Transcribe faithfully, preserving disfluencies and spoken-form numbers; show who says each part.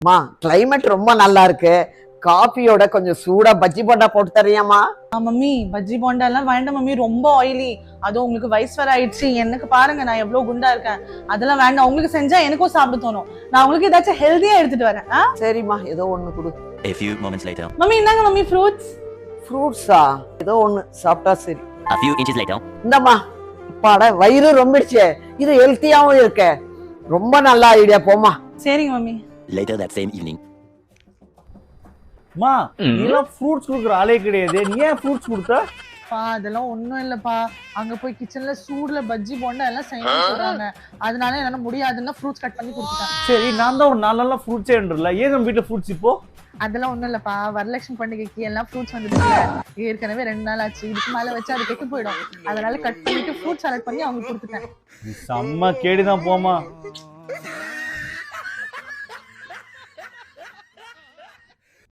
Speaker 1: மா கிளைமேட் ரொம்ப நல்லா இருக்கு. காஃபியோட கொஞ்சம் சூடா பஜ்ஜி போண்டா போட்டு தரியாமா?
Speaker 2: மம்மி பஜ்ஜி போண்டா எல்லாம் வேண்டாம் மம்மி, ரொம்ப ஆயிலி. அதுவும் உங்களுக்கு வயசு வர ஆயிடுச்சு. எனக்கு பாருங்க நான் எவ்வளவு குண்டா இருக்கேன். அதெல்லாம் வேண்டாம். உங்களுக்கு செஞ்சா எனக்கும் சாப்பிட தோணும். நான் உங்களுக்கு ஏதாச்சும் ஹெல்தியா எடுத்துட்டு வரேன்.
Speaker 1: சரிம்மா, ஏதோ ஒண்ணு கொடு.
Speaker 3: A few moments later.
Speaker 2: Mummy இந்தாங்க மம்மி ஃப்ரூட்ஸ்.
Speaker 1: ஃப்ரூட்ஸா? ஏதோ ஒண்ணு சாப்பிட்டா சரி.
Speaker 3: A few inches later.
Speaker 1: இந்தம்மா. பாட வயிறு ரொம்பிடுச்சே. இது ஹெல்த்தியாவும் இருக்கு. ரொம்ப நல்ல ஐடியா, போமா.
Speaker 2: சரிங்க mummy.
Speaker 3: Later that same evening.
Speaker 4: மா நீலாம் ஃப்ரூட்ஸ் குடுக்குற ஆளே கிடையாது, நீ ஏன் ஃப்ரூட்ஸ் கொடுத்த?
Speaker 2: பா அதெல்லாம் ஒண்ணும் இல்லப்பா, அங்க போய் கிச்சன்ல சூடுல பஜ்ஜி போண்டா எல்லாம் செய்யணும்னு சொல்றாங்க. அதனால என்னால முடியாதுன்னா ஃப்ரூட்ஸ் கட் பண்ணி கொடுத்துட்டேன்.
Speaker 4: சரி, நான் தான் ஒரு நாலு நாளா ஃப்ரூட்ஸே என்றல, ஏன் நம்ம வீட்டுல ஃப்ரூட்ஸ் இப்போ?
Speaker 2: அதெல்லாம் ஒண்ணும் இல்லப்பா, வரலட்சுமி பண்டிகைக்கு எல்லாம் ஃப்ரூட்ஸ் வந்துட்டு ஏற்கனவே ரெண்டு நாள் ஆச்சு. இதுக்கு மேல வச்சு அது கெட்டு போயிடும். அதனால கட் பண்ணிட்டு ஃப்ரூட் சாலட் பண்ணி அவங்க கொடுத்துட்டேன்.
Speaker 4: செம்ம கேடுதான் போமா.